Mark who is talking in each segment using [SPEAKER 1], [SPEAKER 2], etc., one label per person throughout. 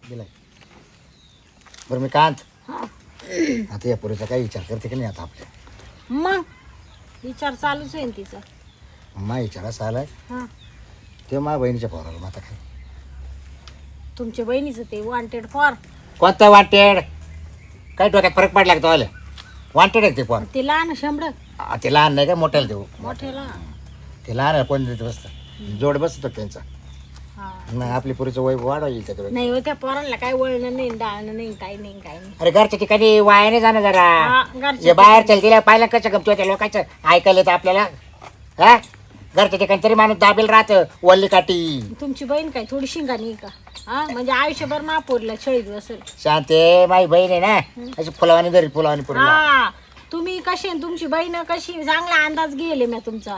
[SPEAKER 1] दिलाय. बरं मी कांत आता या पुरीचा काही विचार करते की नाही आता आपल्या
[SPEAKER 2] मग विचार चालूच आहे ना तिचा.
[SPEAKER 1] मा विचार असा आलाय
[SPEAKER 2] हा
[SPEAKER 1] ते माझ्या बहिणीच्या पोराला मग आता काय
[SPEAKER 2] तुमच्या बहिणीचं ते वॉन्टेड फॉर
[SPEAKER 1] कोणतं वाटेड काय डोक्यात फरक पडला का तो वाटेड आहे ते पोर.
[SPEAKER 2] ते लहान शंभर
[SPEAKER 1] ते लहान नाही का मोठ्याला देऊ
[SPEAKER 2] मोठ्याला.
[SPEAKER 1] ते लहान आहे कोण देत बसतं जोड बसतो त्यांचा.
[SPEAKER 2] हा
[SPEAKER 1] नाही आपली पुरीचं वय वाढवा येईल त्याच्यावर.
[SPEAKER 2] नाही हो त्या पोरांना काय वळणं नाही डाळणं नाही काही नाही काही नाही.
[SPEAKER 1] अरे घरच्या ठिकाणी वायाने जाणं जरा
[SPEAKER 2] हा,
[SPEAKER 1] हे
[SPEAKER 2] घरच्या
[SPEAKER 1] बाहेर चल तिला पाहिलं कसं गमतो त्या लोकांचं ऐकायला येतं आपल्याला. हा घरच्या ठिकाणी तरी माणूस दाबेल राहतं वल्ली काठी.
[SPEAKER 2] तुमची बहीण काय थोडी शिंगाणी आहे का? हा म्हणजे आयुष्यभर महापौरला छळीत बसेल.
[SPEAKER 1] शांते माझी बहीण आहे ना अशी फुलावानी धरी फुलावानी पुरीला.
[SPEAKER 2] हा तुम्ही कशी आणि तुमची बहीण कशी चांगला अंदाज गेले मी तुमचा.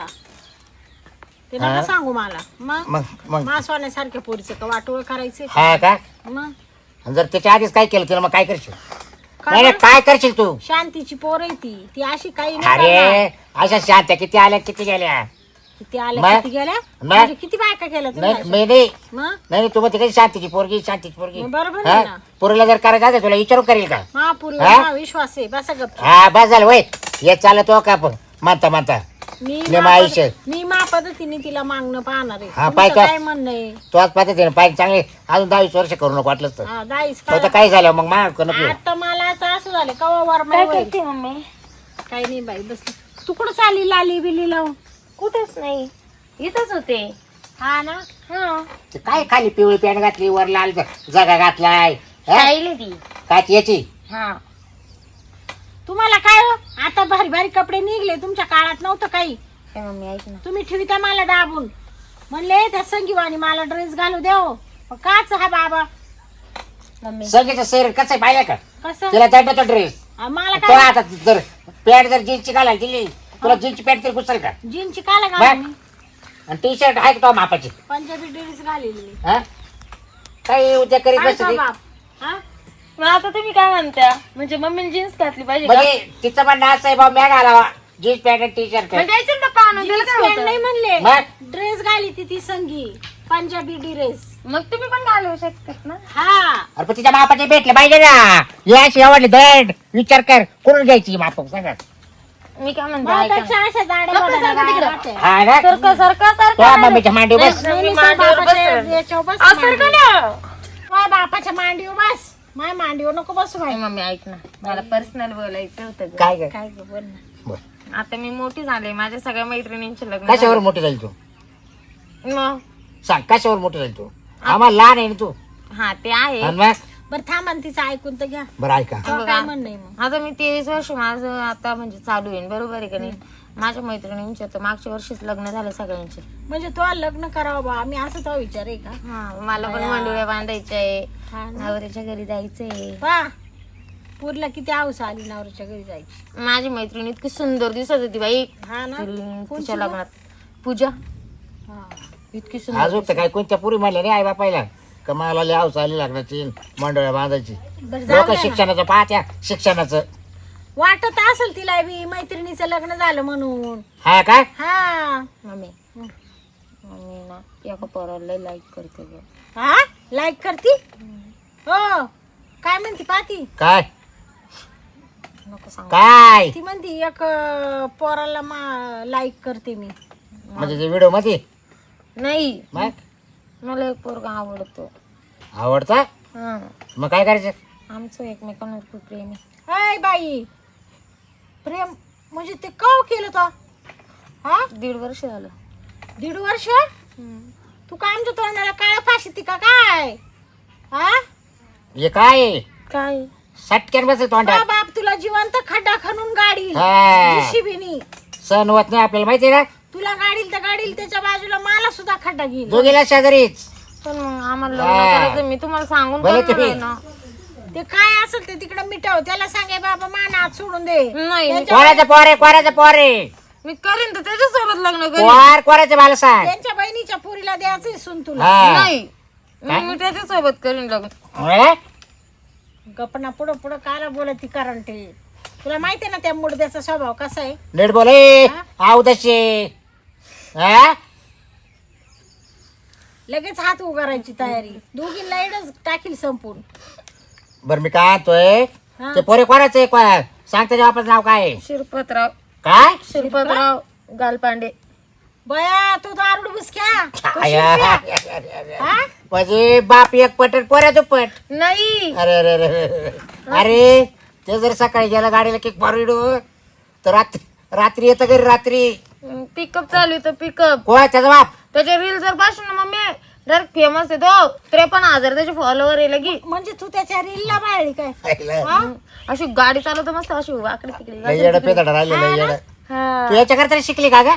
[SPEAKER 2] ते नका
[SPEAKER 1] हा?
[SPEAKER 2] सांगू मला. मग
[SPEAKER 1] मग मग
[SPEAKER 2] मासवाण्यासारख्या पोरीचं का वाटोळ करायचे.
[SPEAKER 1] हा का
[SPEAKER 2] मग
[SPEAKER 1] आणि जर त्याच्या आधीच काय केलं तिला मग काय करशील?
[SPEAKER 2] काय
[SPEAKER 1] नाही नाही,
[SPEAKER 2] बरं?
[SPEAKER 1] काय करशील तू?
[SPEAKER 2] शांतीची पोर आहे ती. ती अशी काही नाही करणार.
[SPEAKER 1] अरे अशा शांत्या किती आल्या किती गेल्या.
[SPEAKER 2] किती आल्या
[SPEAKER 1] मग?
[SPEAKER 2] किती गेल्या
[SPEAKER 1] मग?
[SPEAKER 2] म्हणजे किती बायका केल्या तुम्ही
[SPEAKER 1] नाही
[SPEAKER 2] अशा?
[SPEAKER 1] मी नाही
[SPEAKER 2] मग
[SPEAKER 1] नाही तू मग तिकडे शांतीची पोरगी शांतीची पोरगी.
[SPEAKER 2] मग बरोबर
[SPEAKER 1] हा?
[SPEAKER 2] आहे ना.
[SPEAKER 1] पोरीला जर करायचं असेल तुला विचारू करेल का?
[SPEAKER 2] महापूरला
[SPEAKER 1] हा?
[SPEAKER 2] हा विश्वास आहे. बसा गप्प.
[SPEAKER 1] हा बस झालं वय हे चालत हो का आपण मानता मानता
[SPEAKER 2] मी
[SPEAKER 1] नाही, मग आयुष्य.
[SPEAKER 2] मी मा पद्धतीने तिला मागणं पाहणार आहे.
[SPEAKER 1] हा,
[SPEAKER 2] तुमचं
[SPEAKER 1] पाय का?
[SPEAKER 2] काय म्हणणं आहे?
[SPEAKER 1] तू आज पद्धतीने पाहिजे चांगले अजून 10-20 वर्ष करू नको वाटलंच तर.
[SPEAKER 2] हा, दाईस
[SPEAKER 1] तो तर
[SPEAKER 2] काय
[SPEAKER 1] काय झालं मग नको नको.
[SPEAKER 2] आता मला आता असं झालं कवा वर
[SPEAKER 3] काय
[SPEAKER 2] होईल.
[SPEAKER 3] करते मम्मी?
[SPEAKER 2] काही नाही बाई बस. तू कुठं चालली लाली बिली लावून?
[SPEAKER 3] कुठेच नाही, इथंच होते.
[SPEAKER 2] हा ना.
[SPEAKER 3] हा
[SPEAKER 1] ते काय खाली पिवळी पॅन्ट घातली वर लाल जगा घातलाय हा?
[SPEAKER 3] राहिली ती.
[SPEAKER 1] काय ती याची
[SPEAKER 3] हा
[SPEAKER 2] तुम्हाला काय हो आता भारी भारी कपडे निघले. तुमच्या काळात नव्हतं काही.
[SPEAKER 3] काय मम्मी ऐक ना.
[SPEAKER 2] तुम्ही ठेविता मला दाबून. म्हणले त्या संगीवानी मला ड्रेस घालू देव. काच हा बाबा
[SPEAKER 3] मम्मी
[SPEAKER 1] सगळ्याचं शरीर कसं आहे पाहिलं का?
[SPEAKER 2] कसं
[SPEAKER 1] तिला दंडतो ड्रेस
[SPEAKER 2] मला
[SPEAKER 1] तो
[SPEAKER 2] काय
[SPEAKER 1] आता जर पॅन्ट जर जीन्सची घालायला दिली तुला जीन्सची पॅन्ट तरी घुसल का?
[SPEAKER 2] जीनची काला
[SPEAKER 1] बघ.
[SPEAKER 2] घालू मी?
[SPEAKER 1] आणि टी शर्ट आहे का तो मापाची
[SPEAKER 2] पंजाबी ड्रेस घालेली.
[SPEAKER 1] हा काही उद्या करीत
[SPEAKER 2] काय
[SPEAKER 1] बसते
[SPEAKER 2] तो
[SPEAKER 1] ती.
[SPEAKER 2] बाप? हा?
[SPEAKER 3] मग आता तुम्ही काय म्हणता? म्हणजे मम्मीने जीन्स घातली पाहिजे का?
[SPEAKER 1] म्हणजे तिचं म्हणणं असं आहे भाऊ मॅग घालावा जीन्स पॅन्ट आणि टी शर्ट
[SPEAKER 3] म्हणजे याच्यात पप्पा आणून दिलं
[SPEAKER 2] जीन्स
[SPEAKER 3] काय
[SPEAKER 2] पॅन्ट
[SPEAKER 3] होतं?
[SPEAKER 2] नाही म्हणले.
[SPEAKER 1] मग?
[SPEAKER 2] ड्रेस घाली ती संगी पंजाबी ड्रेस.
[SPEAKER 3] मग तुम्ही पण घालू शकतात ना.
[SPEAKER 2] हा
[SPEAKER 1] अरे पण तिच्या मापाचे भेटले पाहिजे ना याशी आवडले दंड विचार कर कोण घ्यायची माप सांगा.
[SPEAKER 3] मी काय म्हणते ऐका
[SPEAKER 2] माझ्यापेक्षा
[SPEAKER 3] ना.
[SPEAKER 2] अशा जाड्या
[SPEAKER 3] गप्प
[SPEAKER 2] बड्या
[SPEAKER 3] बसा तिकडं.
[SPEAKER 2] गाड्या
[SPEAKER 1] हा ना
[SPEAKER 3] सरका सरका
[SPEAKER 1] तो
[SPEAKER 3] सरका.
[SPEAKER 1] मम्मीच्या मांडीवर बस.
[SPEAKER 3] नाही,
[SPEAKER 2] नाही,
[SPEAKER 3] मी
[SPEAKER 2] नाही,
[SPEAKER 3] मांडीवर
[SPEAKER 2] बापाच्या
[SPEAKER 3] बसेल.
[SPEAKER 2] याच्यावर बस,
[SPEAKER 3] असं सरका
[SPEAKER 2] मांडीवर.
[SPEAKER 3] ना.
[SPEAKER 2] माझ्या बापाच्या मांडीवर बस. माझ्या मांडीवर नको बसू
[SPEAKER 3] नाही,
[SPEAKER 2] बाई.
[SPEAKER 3] मम्मी ऐक ना, मला पर्सनल बोलायचं होतं ग.
[SPEAKER 1] काय ग
[SPEAKER 2] काय ग बोल ना.
[SPEAKER 1] बर
[SPEAKER 3] आता मी मोठी झाले, माझ्या सगळ्या मैत्रिणींचे लग्न
[SPEAKER 1] कशावर
[SPEAKER 3] झाले.
[SPEAKER 1] मोठी झाली तू
[SPEAKER 3] मग
[SPEAKER 1] सांग कशावर मोठी झाली तू आम्हाला लहान आहे ना तू
[SPEAKER 3] हा ते आहे.
[SPEAKER 1] आणि मग
[SPEAKER 2] बरं थांबा ना तिचं ऐकून तर घ्या.
[SPEAKER 1] बरं ऐका
[SPEAKER 2] तेव्हा काय म्हणणं आहे मग?
[SPEAKER 3] आता मी 23 वर्ष माझं आता म्हणजे चालू आहे बरोबर आहे का नाही. माझ्या मैत्रिणींचे तर मागच्या वर्षीच लग्न झाले सगळ्यांचे.
[SPEAKER 2] म्हणजे तो लग्न करावं बा आम्ही असं तो विचार आहे का?
[SPEAKER 3] हा मला पण
[SPEAKER 2] बया.
[SPEAKER 3] मांडुळ्या बांधायच्या आहे,
[SPEAKER 2] हा ना.
[SPEAKER 3] नवऱ्याच्या घरी जायचंय.
[SPEAKER 2] वा पूरला किती हौस आली नवऱ्याच्या घरी जायची.
[SPEAKER 3] माझी मैत्रीण इतकी सुंदर दिसत होती बाई
[SPEAKER 2] हा ना. कोणची
[SPEAKER 3] तिच्या
[SPEAKER 2] ग?
[SPEAKER 3] लग्नात. पूजा
[SPEAKER 2] हा.
[SPEAKER 3] इतकी सुंदर
[SPEAKER 1] अजून तर काय कोणत्या पुरी म्हणल्या नाही आई बापायला का मला लय हाऊस आली लागण्याची मंडळ्या बांधायची
[SPEAKER 2] बरं जाऊ
[SPEAKER 1] लोक
[SPEAKER 2] द्या ना.
[SPEAKER 1] शिक्षणाचं पाहत्या शिक्षणाचं
[SPEAKER 2] वाटत असेल तिला बी मैत्रिणीचं लग्न झालं म्हणून.
[SPEAKER 1] हा काय
[SPEAKER 2] हा
[SPEAKER 3] मम्मी. मम्मी ना एका पोराला लाईक करते ग.
[SPEAKER 2] हा लाईक करती हो काय म्हणती पाहती.
[SPEAKER 1] काय
[SPEAKER 3] नको सांग.
[SPEAKER 1] काय
[SPEAKER 2] ती म्हणती एक पोराला लाईक करते मी.
[SPEAKER 1] म्हणजे ते व्हिडिओ मध्ये
[SPEAKER 3] नाही
[SPEAKER 1] मग
[SPEAKER 3] मला एक पोरगा आवडतो.
[SPEAKER 1] आवडता
[SPEAKER 3] हा
[SPEAKER 1] मग काय करायचं
[SPEAKER 3] आमचं एकमेकांवर खूप प्रेम आहे.
[SPEAKER 2] हाय बाई प्रेम म्हणजे ते कव केलं तो. हा
[SPEAKER 3] 1.5 वर्ष झालं.
[SPEAKER 2] 1.5 वर्ष तू काय आमच्या तोंडाला काय फाशी ती का काय? हा
[SPEAKER 1] हे काय आहे?
[SPEAKER 3] काय
[SPEAKER 1] सटक्यान बसेल
[SPEAKER 2] बा
[SPEAKER 1] तोंडात
[SPEAKER 2] बाप तुला जिवंत खड्डा खणून गाडी
[SPEAKER 1] हा.
[SPEAKER 2] शिबिनी
[SPEAKER 1] सण होत नाही आपल्याला माहिती आहे ना
[SPEAKER 2] तुला गाडील तर गाडील त्याच्या बाजूला मला सुद्धा खड्डा घेईल.
[SPEAKER 1] दोघीला शेजारीच
[SPEAKER 3] पण मग आम्हाला
[SPEAKER 1] हा.
[SPEAKER 3] लग्न करायचं मी तुम्हाला सांगून
[SPEAKER 1] भले
[SPEAKER 3] करणार आहे
[SPEAKER 1] तुम्ही.
[SPEAKER 3] ना.
[SPEAKER 2] ते काय असेल ते तिकडे मिटव. त्याला सांगे बाबा मान हात सोडून दे.
[SPEAKER 3] नाही मी-
[SPEAKER 1] कोणाचं पोरे कोणाचं पोरे
[SPEAKER 3] मी करीन तर त्याच्यासोबत लग्न करीन.
[SPEAKER 1] पोर कोणाचं मला सांग
[SPEAKER 2] त्यांच्या बहिणीच्या पुरीला द्यायचं सुन तुला.
[SPEAKER 1] हा.
[SPEAKER 3] नाही मी त्याच्यासोबत करीन लग्न.
[SPEAKER 1] हा?
[SPEAKER 2] गपना पुढं पुढं काला बोलत ती कारण ते तुला माहितीये ना त्या मुडद्याचा स्वभाव कसा आहे.
[SPEAKER 1] नीट बोले
[SPEAKER 2] हा?
[SPEAKER 1] आऊ तशी हा
[SPEAKER 2] लगेच हात उगारायची तयारी दोघी लाईडच टाकील संपून.
[SPEAKER 1] बरं मी काय आणतोय
[SPEAKER 2] हा.
[SPEAKER 1] ते पोरे कोणाचं आहे सांग त्याच्या बापाचं नाव काय आहे?
[SPEAKER 3] शिरपतराव
[SPEAKER 1] काय
[SPEAKER 3] शिरपतराव गालपांडे.
[SPEAKER 2] बया तू दारुड बुसक्या तो
[SPEAKER 1] आया.
[SPEAKER 2] शिरप्या. हा?
[SPEAKER 1] म्हणजे बाप एक पट आणि पोऱ्या दुप्पट.
[SPEAKER 3] नाही
[SPEAKER 1] अरे अरे अरे अरे ते जर सकाळी गेला गाडीला किक मारून तर रात्री येतं घरी रात्री.
[SPEAKER 3] पिकअप चालू आहे पिकअप.
[SPEAKER 1] कोण त्याचा बाप?
[SPEAKER 3] त्याचे रील जर पाहिजे ना मम्मी डायरेक्ट फेमस आहे तो. 53,000 त्याचे फॉलोवर आहे लगी.
[SPEAKER 2] म्हणजे तू त्याच्या रीलला बाळली काय?
[SPEAKER 1] लय
[SPEAKER 2] हा?
[SPEAKER 3] अशी गाडी चालवतो मस्त अशी वाकडी तिकडे
[SPEAKER 1] येडं पेदाडं राहिलेलं आहे, येडं.
[SPEAKER 3] हा.
[SPEAKER 1] तू याच्याकरता शिकली का ग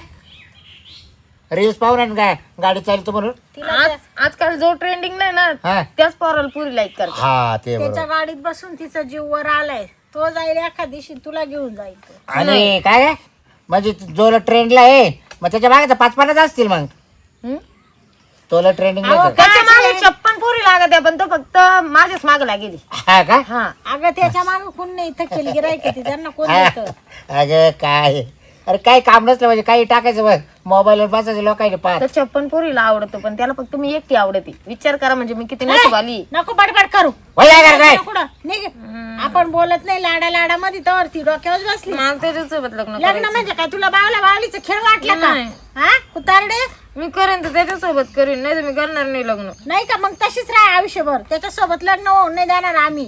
[SPEAKER 1] रील्स पाहून आणि काय गाडी चालतो म्हणून?
[SPEAKER 2] तिला
[SPEAKER 3] आजकाल जो ट्रेंडिंग नाही ना
[SPEAKER 1] हा
[SPEAKER 3] त्याच पोराला पुरी लाईक करते.
[SPEAKER 1] हा ते
[SPEAKER 2] त्याच्या
[SPEAKER 1] बरोबर.
[SPEAKER 2] गाडीत बसून तिचा जीव वर आलाय तो जाईल एखाद दिवशी तुला घेऊन जाईल तो.
[SPEAKER 1] आणि काय म्हणजे जो ट्रेंडला आहे मग त्याच्या मागे 5-50 असतील मग
[SPEAKER 3] हम्म?
[SPEAKER 1] तोला ट्रेंडिंग
[SPEAKER 2] अहो,
[SPEAKER 3] त्याच्या मागे 56 पोरी लागत आहे पण तो फक्त माझ्याच माग लागेली.
[SPEAKER 1] हा का?
[SPEAKER 3] हा
[SPEAKER 2] अगं त्याच्या मागे कोण नाही इथं केली गिरायक ती त्यांना कोण देतं?
[SPEAKER 1] अगं काय अरे काही काम नसलं म्हणजे काही टाकायचं बघ मोबाईलवर बसायचं लोकांनी पाहत.
[SPEAKER 3] तर 56 पोरीला आवडतो पण त्याला फक्त मी एकटी आवडते. विचार करा म्हणजे मी किती नशीब आली.
[SPEAKER 2] नको बडबड करू
[SPEAKER 1] वय काय करताय?
[SPEAKER 2] कुठं निघ. आपण बोलत नाही लाडा लाडा मध्ये तर ती डोक्यावर बसली.
[SPEAKER 3] मला त्याच्यासोबत लग्न
[SPEAKER 2] लग्न
[SPEAKER 3] करायचं.
[SPEAKER 2] म्हणजे काय तुला बावला बावलीचा खेळ वाटला का?
[SPEAKER 3] नाही.
[SPEAKER 2] हा कुतारडे
[SPEAKER 3] मी करेन तर त्याच्यासोबत करीन नाही तर मी करणार नाही लग्न.
[SPEAKER 2] नाही का मग तशीच राह आयुष्यभर त्याच्यासोबत लग्न होऊन नाही देणार आम्ही.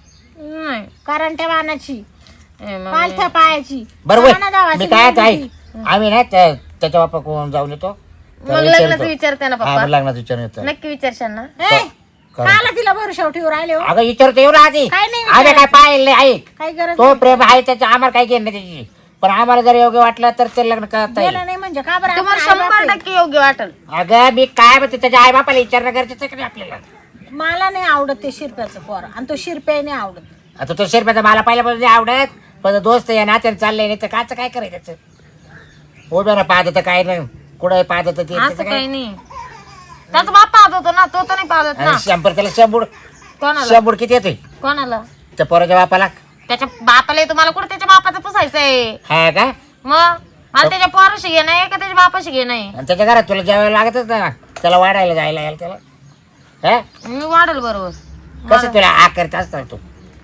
[SPEAKER 3] नाही
[SPEAKER 2] कारण त्या वाहनाची
[SPEAKER 3] ए मम्मी.
[SPEAKER 2] पालथ्या पायाची
[SPEAKER 1] बरोबर
[SPEAKER 2] वाहना गावाची
[SPEAKER 1] मी काय
[SPEAKER 2] मुलगी.
[SPEAKER 1] आहे आम्ही ना त्याच्या बापा कोण जाऊन येतो
[SPEAKER 3] मग लग्नाचं विचारते ना
[SPEAKER 1] हा
[SPEAKER 3] पप्पा.
[SPEAKER 1] मग लग्नाचं विचारून येतो.
[SPEAKER 3] नक्की विचारशाल ना.
[SPEAKER 2] ए, काला तिला भरशाव ठेवून राहिले हो
[SPEAKER 1] अगं विचारतो येऊ ना आधी
[SPEAKER 2] काय नाही
[SPEAKER 1] आम्ही काय पाहिलं नाही ऐक
[SPEAKER 2] काही गरज
[SPEAKER 1] तो प्रेम आहे त्याचं आम्हाला काही घेणं नाही त्याची पण आम्हाला जर योग्य वाटलं तर ते लग्न करता येईल.
[SPEAKER 2] गेलं नाही म्हणजे का बरं
[SPEAKER 3] तुम्हाला
[SPEAKER 2] आपण आई-बाप
[SPEAKER 3] 100% योग्य वाटेल.
[SPEAKER 1] अगं मी काय म्हणते त्याच्या आई बापाला विचारणं गरजेचं आहे का नाही आपल्याला?
[SPEAKER 2] आहे. मला नाही आवडत ते शिरप्याचं पोर आणि तो शिरप्या नाही आवडत.
[SPEAKER 1] आता तो शेरप्याचा मला पहिल्यापासून नाही आवडत पण दोस्त या नात्याने चाललंय नाही तर काच काय करायचं त्याचं उभ्या ना पाहत तर काय नाही कुठं पाहत तर ते
[SPEAKER 3] असं
[SPEAKER 1] त्याचं
[SPEAKER 3] काही
[SPEAKER 1] काय
[SPEAKER 3] नाही. त्याचा बाप पाहत होतो ना तो तर नाही पाहत ना.
[SPEAKER 1] आणि शंभर त्याला
[SPEAKER 3] कोणाला
[SPEAKER 1] शंभर किती येतोय
[SPEAKER 3] कोणाला
[SPEAKER 1] त्या पोराच्या बापाला?
[SPEAKER 3] त्याच्या बापाला येतो. मला कुठे त्याच्या बापाचं पुसायचंय.
[SPEAKER 1] हा का?
[SPEAKER 3] मग मला त्याच्या पोराशी घे नाही का त्याच्या बापाशी घे नाही.
[SPEAKER 1] आणि त्याच्या घरात तुला जेवायला लागतच ना त्याला वाढायला जायला यायला त्याला हा
[SPEAKER 3] मी वाढेल बरोबर.
[SPEAKER 1] कसं तुला आकारत असतात तू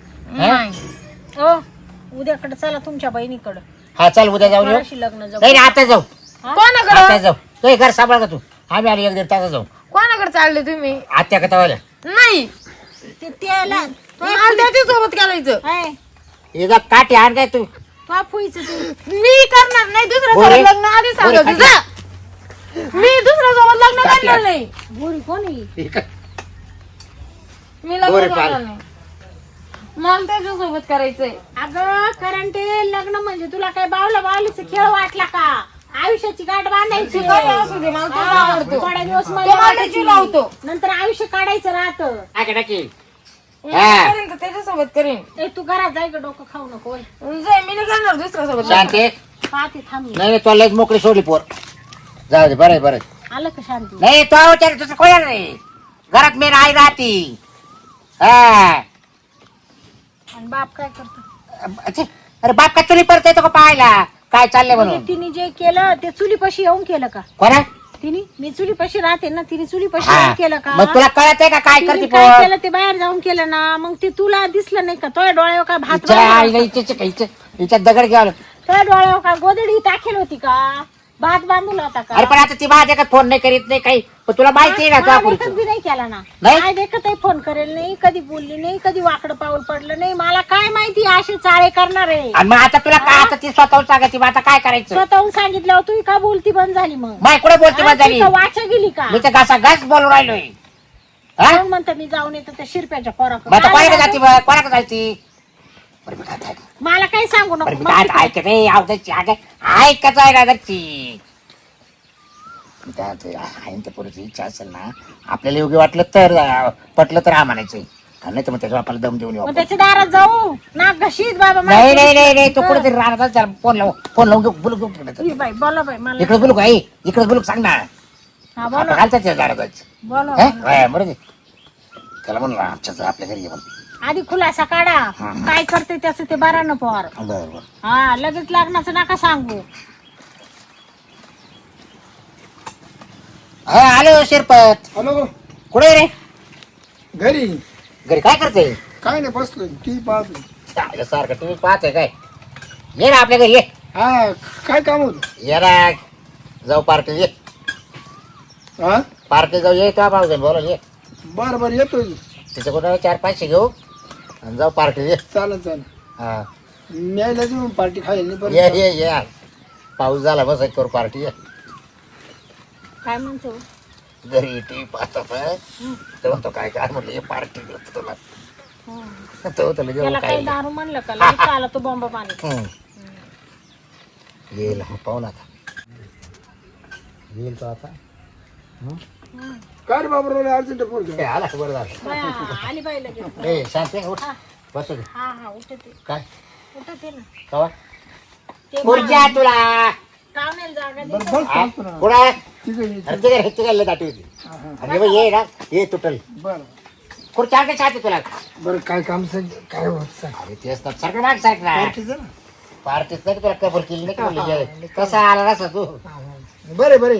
[SPEAKER 3] नाही
[SPEAKER 2] हो उद्याकडे चला तुमच्या बहिणीकडं
[SPEAKER 1] हा चल उद्या जाऊन येऊ.
[SPEAKER 2] कोणाशी लग्न जाऊ
[SPEAKER 1] नाही नाही, आता जाऊ
[SPEAKER 3] कोणाकडे
[SPEAKER 1] आता जाऊ तो हे घर सांभाळ का तू आम्ही आली 1-1.5 तास जाऊ
[SPEAKER 3] कोणाकडे चालले तुम्ही.
[SPEAKER 1] आत्या कथा वाल्या
[SPEAKER 3] नाही
[SPEAKER 2] ते त्याला
[SPEAKER 3] मला त्याच्यासोबत करायचं.
[SPEAKER 2] आहे
[SPEAKER 1] एकदा काठी आण काय तू
[SPEAKER 2] तो फुईचं तू
[SPEAKER 3] मी करणार नाही दुसऱ्या
[SPEAKER 1] बोरे?
[SPEAKER 3] सोबत लग्न आधी सांगत
[SPEAKER 1] बोरे,
[SPEAKER 3] तुझं. मी दुसऱ्या सोबत लग्न
[SPEAKER 1] काठी
[SPEAKER 3] करणार
[SPEAKER 1] आण.
[SPEAKER 3] नाही.
[SPEAKER 2] बोरी कोणी
[SPEAKER 3] मी लग्न
[SPEAKER 1] बोरे
[SPEAKER 3] करणार
[SPEAKER 1] पाल.
[SPEAKER 3] नाही. मला त्याच्यासोबत करायचंय.
[SPEAKER 2] अगं कारण ते लग्न म्हणजे तुला काय बावला बावलीचा खेळ वाटला का? आयुष्याची गाठ बांधायची
[SPEAKER 3] काही असू दे, मला तोच आवडतो.
[SPEAKER 2] थोड्या दिवस
[SPEAKER 3] तो
[SPEAKER 2] मजा
[SPEAKER 3] मला
[SPEAKER 2] वाटायची.
[SPEAKER 3] जीव लावतो.
[SPEAKER 2] नंतर आयुष्य काढायचं राहतं.
[SPEAKER 1] काय का टाकी
[SPEAKER 3] मी
[SPEAKER 1] हा.
[SPEAKER 3] करेन तर त्याच्यासोबत करेन.
[SPEAKER 2] ए तू घरात जाय ग डोकं खाऊ नको होय.
[SPEAKER 3] जाय मी नाही करणार दुसऱ्या सोबत.
[SPEAKER 1] शांती
[SPEAKER 2] पाहते थांब मी.
[SPEAKER 1] नाही नाही तुला लयच मोकळी सोडली पोर जाऊ दे बरं आहे, बरं आहे.
[SPEAKER 2] आलं का शांती?
[SPEAKER 1] नाही तो विचार तुझं कोण नाही घरात मेन आई राहती हा
[SPEAKER 2] आणि बाप काय करतो?
[SPEAKER 1] अच्छा, अरे बाप का चुली परत येतो का पाहायला काय चाललंय म्हणून
[SPEAKER 2] म्हणजे तिने जे केलं ते चुलीपाशी येऊन केलं का?
[SPEAKER 1] कोणा
[SPEAKER 2] तिने मी चुलीपाशी राहते ना तिने चुलीपाशी
[SPEAKER 1] हा
[SPEAKER 2] येऊन केलं का?
[SPEAKER 1] मग तुला कळत आहे का काय
[SPEAKER 2] तिने
[SPEAKER 1] करते
[SPEAKER 2] काय
[SPEAKER 1] पोर
[SPEAKER 2] केलं ते बाहेर जाऊन केलं ना मग ते तुला दिसलं नाही का? तो डोळ्यावर काय भात
[SPEAKER 1] हिच्या
[SPEAKER 2] बांधला
[SPEAKER 1] आईला हिच्या दगड घ्यावं लागतं.
[SPEAKER 2] तो डोळ्यावर काय गोदडी टाकेल होती का? भात बांधला होता का?
[SPEAKER 1] अरे पण आता ती माझ्या का फोन नाही करीत नाही काही पण तुला माहिती आहे ना
[SPEAKER 2] मला
[SPEAKER 1] का
[SPEAKER 2] देखत बी नाही केला ना.
[SPEAKER 1] नाही?
[SPEAKER 2] काय देखत आहे फोन करेल नाही कधी बोलली नाही कधी वाकडं पाऊल पडलं नाही. मला काय माहिती असे चाळे करणार आहे.
[SPEAKER 1] आणि मग आता तुला काय आता ती स्वतःहून सांगायची मग आता काय करायचं
[SPEAKER 2] स्वतःहून सांगितल्यावर तू का बोलती बंद झाली मग?
[SPEAKER 1] माय कुठे बोलते मग झाली
[SPEAKER 2] वाचा गेली का?
[SPEAKER 1] मी तर घासा घास बोलून राहिलोय हा
[SPEAKER 2] म्हणून म्हणतं मी जाऊन येतो त्या शिरप्याच्या
[SPEAKER 1] मग आता कोणाकडे जाती
[SPEAKER 2] पोराकडे.
[SPEAKER 1] मग? कोणाकडे जायची बरं मी काय
[SPEAKER 2] मला काही सांगू
[SPEAKER 1] बरं
[SPEAKER 2] नको.
[SPEAKER 1] मी काय ऐकत आहे आवडायची ऐकत आहे ना घरची मी काय म्हणतोय, आहे ना त्या पोरीची इच्छा असेल ना आपल्याला योग्य वाटलं तर पटलं तर हा म्हणायचं नाही तर मग त्याच्या बापाला दम देऊन येऊ
[SPEAKER 2] मग
[SPEAKER 1] आपण.
[SPEAKER 2] त्याच्या दारात जाऊ नाक घशीत बाबा
[SPEAKER 1] नाही नाही नाही नाही तो कुठेतरी राहणार त्याला फोन लावून बोलू घेऊ
[SPEAKER 2] ई बाई बोला बाई मला
[SPEAKER 1] इकडे बोलू का आई इकडे बोलू सांग ना
[SPEAKER 2] हा
[SPEAKER 1] आपण
[SPEAKER 2] बोला
[SPEAKER 1] घालतात त्या झाडात
[SPEAKER 2] बोला
[SPEAKER 1] बरं दे त्याला म्हणून आमच्या आपल्या घरी ये म्हणून
[SPEAKER 2] आधी खुलासा काढा
[SPEAKER 1] हा.
[SPEAKER 2] काय करते त्याचं ते बारा न पोर.
[SPEAKER 1] बरं बरं
[SPEAKER 2] हा लगेच लग्नाचं नका सांगू.
[SPEAKER 1] हा आलो शिरपत.
[SPEAKER 4] हॅलो.
[SPEAKER 1] कुठे रे?
[SPEAKER 4] घरी.
[SPEAKER 1] घरी काय करते?
[SPEAKER 4] काय नाही बसलोय टी पाहतोय.
[SPEAKER 1] सारखं तुम्ही पाहतोय काय? ये ना आपल्या घरी ये.
[SPEAKER 4] हा काय काम होत?
[SPEAKER 1] ये ना जाऊ पार्टी ये.
[SPEAKER 4] हा
[SPEAKER 1] पार्टी जाऊ ये का भाऊ बोला ये.
[SPEAKER 4] बर बर येतोय.
[SPEAKER 1] तिच्या कुठं 4-5 घेऊ आणि जाऊ पार्टी ये.
[SPEAKER 4] चालेल चालेल.
[SPEAKER 1] हा
[SPEAKER 4] न्यायला देऊ पार्टी खायला नाही
[SPEAKER 1] ये
[SPEAKER 4] परत.
[SPEAKER 1] ये ये. पाऊस झाला बस करू पार्टी ये.
[SPEAKER 2] काय म्हणतो?
[SPEAKER 1] घरी टी पाहतो तर म्हणतो काय काय म्हटलं ये पार्टी देतो तुला. तो तुला
[SPEAKER 2] त्याला
[SPEAKER 1] जेवण
[SPEAKER 2] काही
[SPEAKER 1] काय
[SPEAKER 2] दारू म्हणलं का लगेच आला तो बॉम्ब पाणी.
[SPEAKER 1] येईल मग पाहू ना आता. येईल तो आता.
[SPEAKER 4] काय रे बाबा अर्जंट फोन
[SPEAKER 1] ए, आला का बरं झालं.
[SPEAKER 2] बाया, आली बाई लगेच.
[SPEAKER 1] ए शांत आहे, उठ बसू दे.
[SPEAKER 2] हा उठते
[SPEAKER 1] काय
[SPEAKER 2] उठते ना.
[SPEAKER 1] कवा
[SPEAKER 2] ते
[SPEAKER 1] खुर्च्या तुला
[SPEAKER 2] पाहुण्याला जागा दे.
[SPEAKER 4] बस बसतो ना.
[SPEAKER 1] कुठं
[SPEAKER 4] ठीक आहे
[SPEAKER 1] तिकडे दाटी होती आणि मग ये ना ये तुटल
[SPEAKER 4] बर
[SPEAKER 1] खुर्च्या काय छाती तुला.
[SPEAKER 4] बर काय काम सांग काय होत सांग.
[SPEAKER 1] अरे तेच ना सारखं माग सारखं ना
[SPEAKER 4] पार्टीचं ना.
[SPEAKER 1] पार्टीत नाही तुला कबर केली नाही का म्हणलं कसा आला नसा तू.
[SPEAKER 4] बरे बरे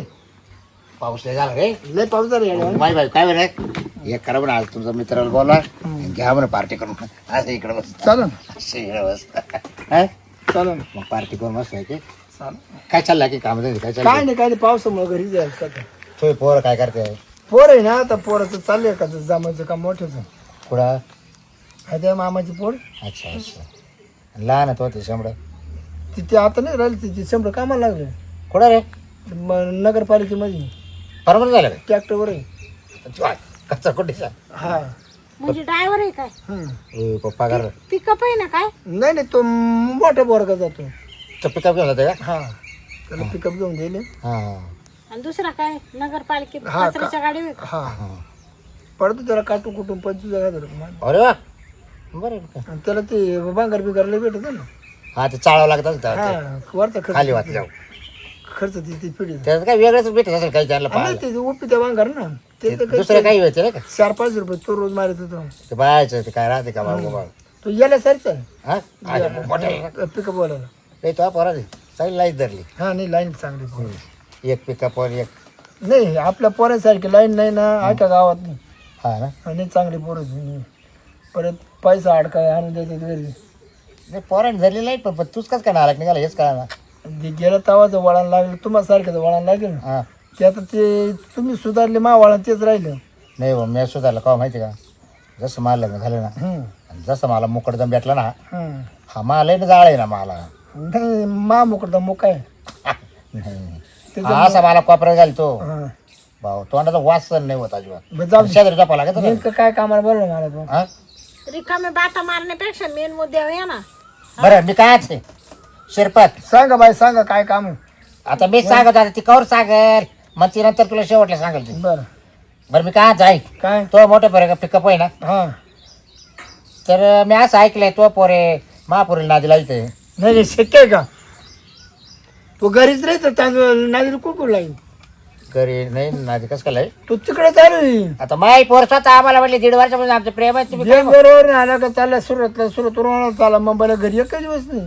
[SPEAKER 1] पाऊस नाही झाला रे.
[SPEAKER 4] लय पाऊस झाला यावेळी.
[SPEAKER 1] माय बाई काय बरं एक करा म्हणा आज तुमच्या मित्राला बोला घ्या म्हणा पार्टी करून असं इकडे बस
[SPEAKER 4] चालेल
[SPEAKER 1] असं इकडे बस हा?
[SPEAKER 4] चालेल
[SPEAKER 1] मग पार्टी करून मस्त आहे की
[SPEAKER 4] चालेल.
[SPEAKER 1] काय चाललं की काम काय
[SPEAKER 4] काय
[SPEAKER 1] चाललं
[SPEAKER 4] नाही काय नाही पावसामुळे घरी जायला सध्या.
[SPEAKER 1] तुम्ही पोरं काय करते
[SPEAKER 4] पोर आहे ना आता पोराचं चाललंय का जमायचं काम मोठ्याचं.
[SPEAKER 1] कुठं
[SPEAKER 4] आहे त्या मामाची पोर.
[SPEAKER 1] अच्छा अच्छा लहान आहे तो ते शंभर
[SPEAKER 4] तिथे आता नाही राहिली तिथे शंभर कामाला लागले
[SPEAKER 1] कुठं रे
[SPEAKER 4] नगरपालिकेमध्ये
[SPEAKER 1] परमनंट झालं
[SPEAKER 4] ट्रॅक्टरवर आहे.
[SPEAKER 1] काय कच्चा कुठेचा
[SPEAKER 4] हा
[SPEAKER 2] म्हणजे ड्रायव्हर आहे काय?
[SPEAKER 4] हम्म.
[SPEAKER 1] पप्पा कर
[SPEAKER 2] पिकअप आहे ना काय?
[SPEAKER 4] नाही नाही तो मोठा बोरगा जातो.
[SPEAKER 1] तो पिकअप घेऊन जाते का
[SPEAKER 4] हा त्याला पिकअप घेऊन गेले.
[SPEAKER 1] हा
[SPEAKER 2] आणि दुसरा काय नगरपालिकेत
[SPEAKER 4] हा,
[SPEAKER 2] कचऱ्याच्या गाडीवर?
[SPEAKER 4] हा
[SPEAKER 1] हा
[SPEAKER 4] पडतो त्याला काटू कुटून 25,000
[SPEAKER 1] अरे वा बरं आहे का?
[SPEAKER 4] आणि त्याला ते बांगर बिगारला भेटत ना.
[SPEAKER 1] हा ते चाळावं लागतं
[SPEAKER 4] हा वरचा
[SPEAKER 1] खाली
[SPEAKER 4] खर्च
[SPEAKER 1] वाचल्यावर
[SPEAKER 4] खर्च ती पिढी
[SPEAKER 1] त्याचं काय वेगळंच भेटत असेल काही त्यांना
[SPEAKER 4] नाही
[SPEAKER 1] पाहायला
[SPEAKER 4] ते उपी त्या बांगर ना ते तर
[SPEAKER 1] दुसरं काही व्हायचं नाही का
[SPEAKER 4] 4-5 रुपये तो रोज मारत होतो.
[SPEAKER 1] ते बायचं ते काय राहते का बाबा बाबा
[SPEAKER 4] तो याला सरच आहे
[SPEAKER 1] हा अरे, मोठं आहे का?
[SPEAKER 4] पिकअप बोलायला.
[SPEAKER 1] नाही तो पोरा चांगली लाईट धरली
[SPEAKER 4] हा नाही लाईन चांगली पोरं.
[SPEAKER 1] एक पिकअप वर एक
[SPEAKER 4] नाही आपल्या पोरांसारखी लाईन नाही ना ऐका गावात नाही.
[SPEAKER 1] हा ना
[SPEAKER 4] आणि चांगली पोरं जुनी. परत पैसा अडकाय आणून देतात घरी.
[SPEAKER 1] नाही पोराने धरली लाईट पण तूच कस काय नालायक निघाला हेच कळा ना
[SPEAKER 4] ते गेलं तवाचं वळण लागलं तुम्हाला सारखं वळण लागेल ना.
[SPEAKER 1] हा
[SPEAKER 4] ते आता ते तुम्ही सुधारले मा वळण तेच राहिलं.
[SPEAKER 1] नाही बा मी सुधारलं का माहिती का जसं मला लग्न झालं ना आणि जसं मला मुकडदम भेटला ना हा मला ना जाळ आहे ना मला
[SPEAKER 4] नाही मा मोकडा मोका आहे.
[SPEAKER 1] नाही असा मला कोपऱ्यात घाल तो
[SPEAKER 4] हा.
[SPEAKER 1] भाऊ तोंडाचा वास सहन नाही होत अजिबात
[SPEAKER 4] बरं जाऊ दे.
[SPEAKER 1] शेजारी टापा लागत ना.
[SPEAKER 4] नेमकं काय कामाला बोललं मला तो.
[SPEAKER 1] हा?
[SPEAKER 2] रिकामे बाता मारण्यापेक्षा मेन मुद्द्यावर या ना.
[SPEAKER 1] बरं मी काय आहे शिरपत
[SPEAKER 4] सांगा बाई सांगा काय काम आहे.
[SPEAKER 1] आता मी सांगत आता ती कवर सांगल मग ती नंतर तुला शेवटला सांगेल ती
[SPEAKER 4] बरं
[SPEAKER 1] बरं मी काय जाई
[SPEAKER 4] काय
[SPEAKER 1] तो मोठं पोरे पिकअप आहे ना
[SPEAKER 4] हा
[SPEAKER 1] तर मी असं ऐकलंय तो पोरे महापुरील नादीला इथे
[SPEAKER 4] नाही नाही शक्य आहे का तो घरीच राहतो तांदूळ नादी कुठून लागेल
[SPEAKER 1] घरी नाही नादी कसं काय
[SPEAKER 4] तो तिकडे चालू आहे.
[SPEAKER 1] आता माई पोर स्वतः आम्हाला म्हटले 1.5 वर्षापासून आमचं प्रेम आहे तुम्ही काय
[SPEAKER 4] बरोबर आला का चालला सुरतला चाला मुंबईला घरी एकच दिवस नाही.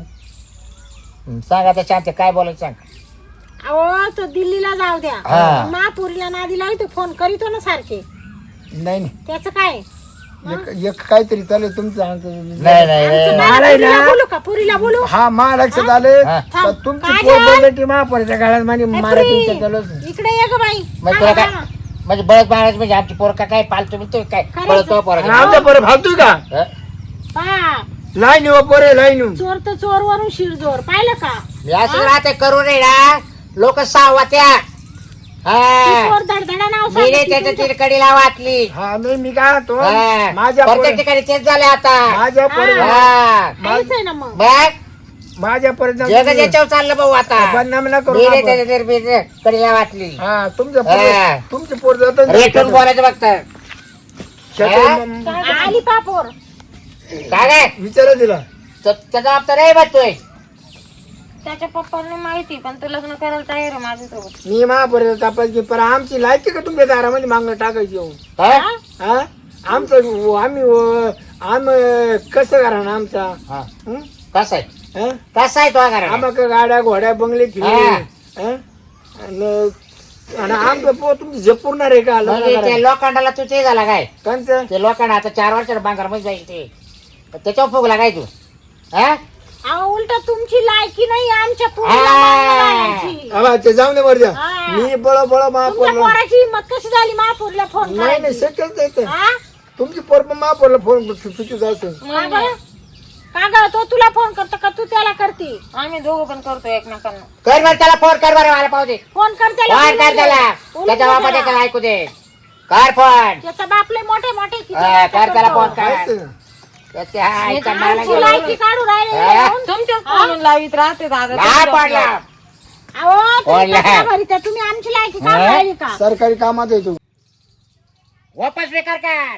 [SPEAKER 1] सांग आता शांत काय बोलायचं सांग
[SPEAKER 2] अहो तो दिल्लीला जाऊ द्या.
[SPEAKER 1] हा.
[SPEAKER 2] महापुरीला नादी लावतो फोन करीतो ना सारखे.
[SPEAKER 4] नाही नाही
[SPEAKER 2] त्याचं काय?
[SPEAKER 4] एक काहीतरी चालू तुमचं
[SPEAKER 1] नाही नाही नाही.
[SPEAKER 4] मला आहे
[SPEAKER 2] पुरीला
[SPEAKER 4] ना
[SPEAKER 2] बोलू का? पुरीला बोलू?
[SPEAKER 4] हा मा लक्षात आले
[SPEAKER 1] हा.
[SPEAKER 4] का तुमची पोर बोलती महापौरच्या गाळ्यात माझी मारा तुमच्या चालू असेल.
[SPEAKER 2] इकडे ये ग बाई.
[SPEAKER 1] मग तुला काय म्हणजे बळत बाळायचं म्हणजे आमची पोर का काय पालतो मी काय बळत तो पोर
[SPEAKER 4] आणि आमच्या पोरं फालतोय का
[SPEAKER 2] पहा,
[SPEAKER 4] लाईन व पोरे लाईन
[SPEAKER 2] चोर तर चोर वरून शिरजोर पाहिलं का?
[SPEAKER 1] मी असं राहते करू नये ना लोक सावा त्या
[SPEAKER 2] चोर धडधडा नाव
[SPEAKER 1] मी नाही त्याच्या तिरकडीला वाचली
[SPEAKER 4] हा नाही मी काय तो
[SPEAKER 1] हा.
[SPEAKER 4] माझ्या
[SPEAKER 1] प्रत्येक
[SPEAKER 4] पोरी-
[SPEAKER 1] ठिकाणी तेच झाले आता
[SPEAKER 4] माझ्या पोरी-
[SPEAKER 1] हा.
[SPEAKER 2] आहेच आहे ना मग.
[SPEAKER 1] बघ
[SPEAKER 4] माझ्या
[SPEAKER 1] जग
[SPEAKER 4] पर्यंत
[SPEAKER 1] याच्यावर चाललं भाऊ आता
[SPEAKER 4] बदनाम ना करू
[SPEAKER 1] मी नाही
[SPEAKER 4] आपण.
[SPEAKER 1] त्याच्या कडीला वाचली
[SPEAKER 4] हा तुमच्या
[SPEAKER 1] हा.
[SPEAKER 4] तुमचे पोर जात
[SPEAKER 1] रेटून बोलायचं बघत
[SPEAKER 2] आली पापोर.
[SPEAKER 1] काय काय
[SPEAKER 4] विचारा दिला
[SPEAKER 1] त्याचा जबाबदार आहे बघतोय
[SPEAKER 3] त्याच्या पप्पांना माहिती पण तो लग्न करायला तयार आहे माझ्यासोबत.
[SPEAKER 4] मी महापर्यंत तापायची पण आमची लायकी का तुमच्या दारामध्ये मागणं टाकायची येऊन
[SPEAKER 1] हा?
[SPEAKER 4] हा आमचं आम्ही कसं करा ना आमचा
[SPEAKER 1] हा.
[SPEAKER 4] हं?
[SPEAKER 1] कसा आहे
[SPEAKER 4] हं?
[SPEAKER 1] कसा आहे तो घरा
[SPEAKER 4] आम्हाला गाड्या घोड्या बंगले फिरले
[SPEAKER 1] हा.
[SPEAKER 4] हं? आणि आणि आमचं पोर तुमची झेपूरणार आहे का
[SPEAKER 1] म्हणजे ते लोखंडाला तू ते झाला काय
[SPEAKER 4] कंचं
[SPEAKER 1] ते लोखंड आता 4 वर्षाला बांगर मध्ये जाईल ते तर त्याच्यावर फुगला काय तू हा
[SPEAKER 2] अहो उलट तुमची लायकी नाही आमच्या
[SPEAKER 1] हा.
[SPEAKER 2] पोरीला मागणं लागायची.
[SPEAKER 4] आबा ते जाऊन दे वर द्या
[SPEAKER 2] हा.
[SPEAKER 4] मी बळ
[SPEAKER 2] तुमच्या
[SPEAKER 4] महापौरला
[SPEAKER 2] पोराची हिंमत कशी झाली महापूरला फोन
[SPEAKER 4] नाही नाही
[SPEAKER 2] करायची
[SPEAKER 4] शक्यच नाही ते.
[SPEAKER 2] हा?
[SPEAKER 4] तुमची पोर पण महापौरला फोन चुकीच असेल
[SPEAKER 2] का बरं? का ग तो तुला फोन करतो का तू त्याला करते
[SPEAKER 3] आम्ही दोघं पण करतो एकमेकांना.
[SPEAKER 1] कर बरं त्याला फोन कर बरं मला पाहू दे
[SPEAKER 2] फोन कर त्याला
[SPEAKER 1] फोन कर त्याला
[SPEAKER 2] उलट
[SPEAKER 1] त्याच्या बापा
[SPEAKER 2] त्याला.
[SPEAKER 1] त्याला ऐकू दे कर फोन
[SPEAKER 2] त्याचा बापले मोठे मोठे किती
[SPEAKER 1] हा,
[SPEAKER 2] नाटकं
[SPEAKER 1] कर त्याला
[SPEAKER 2] करतो.
[SPEAKER 1] फोन कर
[SPEAKER 4] माहिती आहे ना?
[SPEAKER 1] त्याचे हा ऐका मला
[SPEAKER 2] आमची
[SPEAKER 1] गेलं.
[SPEAKER 2] लायकी काढू राहिले
[SPEAKER 1] हा?
[SPEAKER 2] म्हणून.
[SPEAKER 3] तुमच्याच फोन लावीत राहते दादा.
[SPEAKER 1] नाही पडला
[SPEAKER 2] अहो तुम्ही
[SPEAKER 1] बोला.
[SPEAKER 2] कशा भरीता? तुम्ही आमची लायकी काढू
[SPEAKER 1] हा?
[SPEAKER 2] राहिली का
[SPEAKER 4] सरकारी कामात येतो
[SPEAKER 1] वापस बेकार कर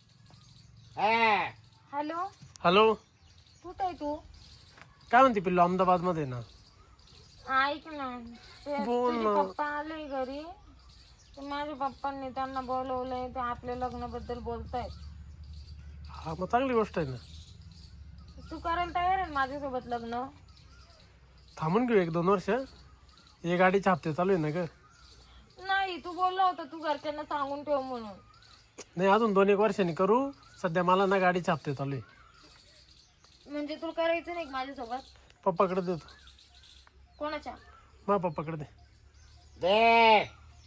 [SPEAKER 1] हा.
[SPEAKER 2] हॅलो
[SPEAKER 5] हॅलो
[SPEAKER 3] कुठे आहे तू?
[SPEAKER 5] काय म्हणते पिल्लू अहमदाबाद मध्ये ना
[SPEAKER 3] ऐक ना ते
[SPEAKER 5] बोल
[SPEAKER 3] तुझे
[SPEAKER 5] ना.
[SPEAKER 3] पप्पा आले घरी. ते माझ्या पप्पांनी त्यांना बोलवलंय ते आपल्या लग्नाबद्दल बोलतायत.
[SPEAKER 5] हा मग चांगली गोष्ट आहे ना
[SPEAKER 3] तू करायला तयार आहे ना माझ्यासोबत लग्न?
[SPEAKER 5] थांबून घेऊ 1-2 वर्ष हे गाडीचे हप्ते चालू आहे ना ग
[SPEAKER 3] नाही तू बोलला होता तू घरच्यांना सांगून ठेव म्हणून.
[SPEAKER 5] नाही अजून 2-1 वर्षांनी करू सध्या मला ना गाडीचे हप्ते चालू आहे
[SPEAKER 3] म्हणजे तुला करायचं नाही का माझ्यासोबत?
[SPEAKER 5] पप्पाकडे देतो
[SPEAKER 3] कोणाच्या?
[SPEAKER 5] माझ्या पप्पाकडे दे
[SPEAKER 1] दे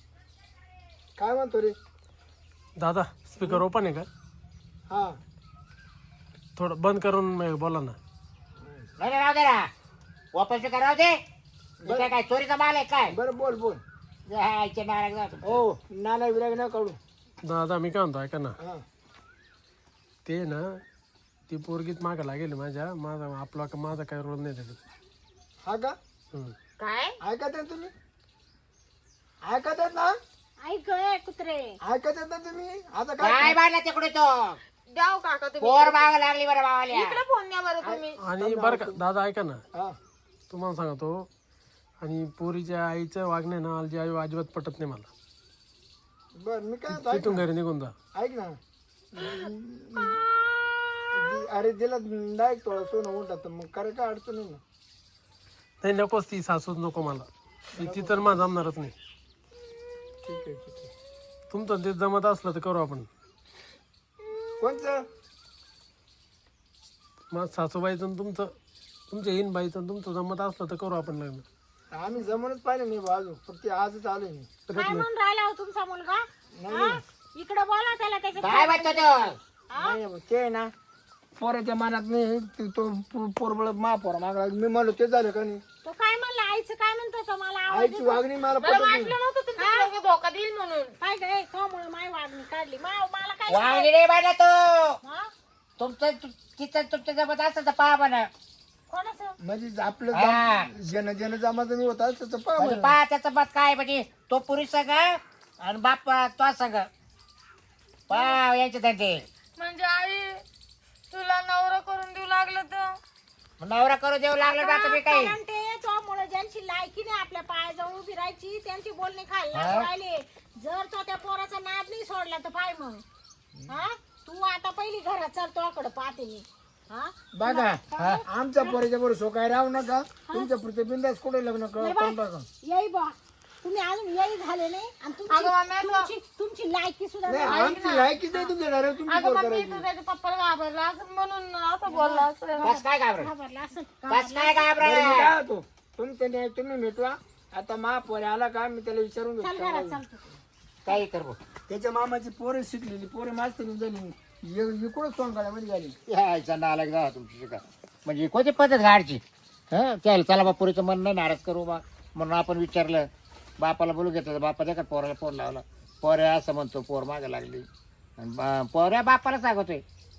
[SPEAKER 4] काय म्हणतो रे
[SPEAKER 5] दादा स्पीकर ओपन आहे का
[SPEAKER 4] हा
[SPEAKER 5] थोडं बंद करून बोला ना
[SPEAKER 1] नाही राहू दे ना वापस बेकार राहू दे हे काय काय चोरीचा माल आहे काय
[SPEAKER 4] बरं बोल बोल
[SPEAKER 1] जायचे नाराज जातो
[SPEAKER 4] हो नाना विराग न काढू
[SPEAKER 5] दादा मी काय म्हणतो ऐका ना
[SPEAKER 4] हा
[SPEAKER 5] ते ना ती पोरगीत मागं लागेल माझ्या माझा काय रोल नाही त्याच्यात
[SPEAKER 4] हा का
[SPEAKER 5] हम्म.
[SPEAKER 3] काय?
[SPEAKER 4] ऐकत आहे तुम्ही ऐकत आहेत ना
[SPEAKER 2] ऐक ए, कुत्रे
[SPEAKER 4] ऐकत आहेत ना तुम्ही आता
[SPEAKER 1] काय
[SPEAKER 4] काय
[SPEAKER 1] मारला तिकडे तो
[SPEAKER 3] द्याव काका तुम्ही.
[SPEAKER 1] पोर माग लागली बरं मावाल्या
[SPEAKER 3] इकडे फोन द्या बरं तुम्ही.
[SPEAKER 5] आणि बरं का दादा ऐका ना
[SPEAKER 4] हा
[SPEAKER 5] तुम्हाला सांगतो आणि पोरीच्या आईचं वागणे ना आजी आई अजिबात पटत नाही मला
[SPEAKER 4] बर मी काय म्हणतो, ऐक
[SPEAKER 5] तिथून घरी निघून जा
[SPEAKER 4] ना, ऐक ना अरे दिला डायरेक्ट थोडा सोनं उलटा मग करे काय अडचण नाही ना
[SPEAKER 5] नाही नकोच ती सासूच नको मला ती तर मला जमणारच नाही
[SPEAKER 4] ठीक आहे ठीक आहे
[SPEAKER 5] तुमचं ते जमत असलं तर करू आपण
[SPEAKER 4] कोणचं
[SPEAKER 5] मग सासूबाईचं आणि तुमच्या इन बाईचं आणि तुमचं जमत असलं तर करू आपण लग्न
[SPEAKER 4] आम्ही जमूनच पाहिलं नाही बाजू फक्त आजच आलोय मी
[SPEAKER 2] काय म्हणून राहिला हो तुमचा मुलगा हा? इकडे बोला त्याला त्याच्या
[SPEAKER 1] काय म्हणतो तो
[SPEAKER 4] नाही नाही, ते आहे ना पोराच्या मनात नाही तो पोरबळ महापोरा मागला मी म्हणलो ते झालं का नाही
[SPEAKER 2] तो काय म्हणला आईचं काय म्हणतो तो मला आवाज
[SPEAKER 4] आईची वागणी मला पटत नाही
[SPEAKER 3] वाटलं नव्हतं तुमच्या दोघं धोका देईल म्हणून.
[SPEAKER 2] काय गे त्यामुळे माय वागणी काढली मला काय
[SPEAKER 1] वांगी नाही पाहिजे तो
[SPEAKER 2] हा?
[SPEAKER 1] तिचं तुमचं जमत असतं तर पहा म्हणा
[SPEAKER 2] कोणाचं
[SPEAKER 4] म्हणजे आपलं
[SPEAKER 1] हा.
[SPEAKER 4] जन जमाचं मी होता त्याचं पहा
[SPEAKER 1] म्हणजे
[SPEAKER 4] म्हणा.
[SPEAKER 1] पहा त्याचं मत काय म्हणजे तो पुरुष संघ आणि बाप तो संघ पहा यांचे त्यांचे
[SPEAKER 3] म्हणजे आई तुला नवरा करून देऊ लागलं तर
[SPEAKER 1] नवरा करू देऊ लागलं ना तुम्ही काही
[SPEAKER 2] कारण ते त्यामुळे ज्यांची लायकी नाही आपल्या पायाजवळ उभी राहायची त्यांची बोलणी खायला राहिले जर तो त्या पोराचा नाद नाही सोडला तर पाय मग हा तू आता पहिली घरात चल तोकडे पाहते मी हा
[SPEAKER 4] बघा आमच्या पोराच्या बरोबर सोकाय राहू नका तुमच्या पुढचे बिंदास कुठे लग्न करून टाका
[SPEAKER 2] येई बा तुम्ही अजून येई झाले नाही आणि
[SPEAKER 3] अगं मम्मी,
[SPEAKER 2] तुमची लायकी सुद्धा
[SPEAKER 4] नाही
[SPEAKER 2] नाही.
[SPEAKER 4] आमची लायकीच नाही तुमच्या डायरेक्ट तुमची
[SPEAKER 3] अगं
[SPEAKER 4] पोर
[SPEAKER 3] मम्मी
[SPEAKER 4] करायची
[SPEAKER 3] तू त्याच्या पप्पाला घाबरला असं म्हणून असं बोलला असं.
[SPEAKER 1] कस काय घाबरत
[SPEAKER 2] घाबरला असं
[SPEAKER 1] कस काय
[SPEAKER 4] बरं, मी
[SPEAKER 1] घाबरत
[SPEAKER 4] काय होतो तुमच्या न्याय तुम्ही मिटवा आता महापोर आला का मी त्याला विचारून
[SPEAKER 2] चल
[SPEAKER 4] घेतो
[SPEAKER 2] घरात चालतो
[SPEAKER 1] काही करू
[SPEAKER 4] त्याच्या मामाची पोरं शिकलेली पोरं मास्तर झाली इकडूनच सोंगाड्यामध्ये झाली
[SPEAKER 1] यायचा नालक जा तुमची शिका म्हणजे कोणती पद्धत गाडची हं त्याला चला बा पुरीचं मन नाही नाराज करू बा म्हणून आपण विचारलं बापाला बोलू घेतलं बापा त्या का पोराला फोन लावला पोऱ्या असं म्हणतो पोर मागं लागली आणि पोऱ्या बापाला सांगतोय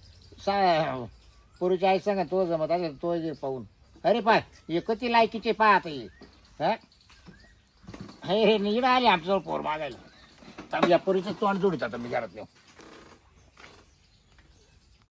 [SPEAKER 1] पोरीची आई सांगा तो जमत असेल तो ये पाहून अरे पाय हे कधी लायकीचे पाह आता हे हे नीड आले आमच्याजवळ पोर मागायला तर या पोरीचं तोंड जोडीत आता मी घरात येऊ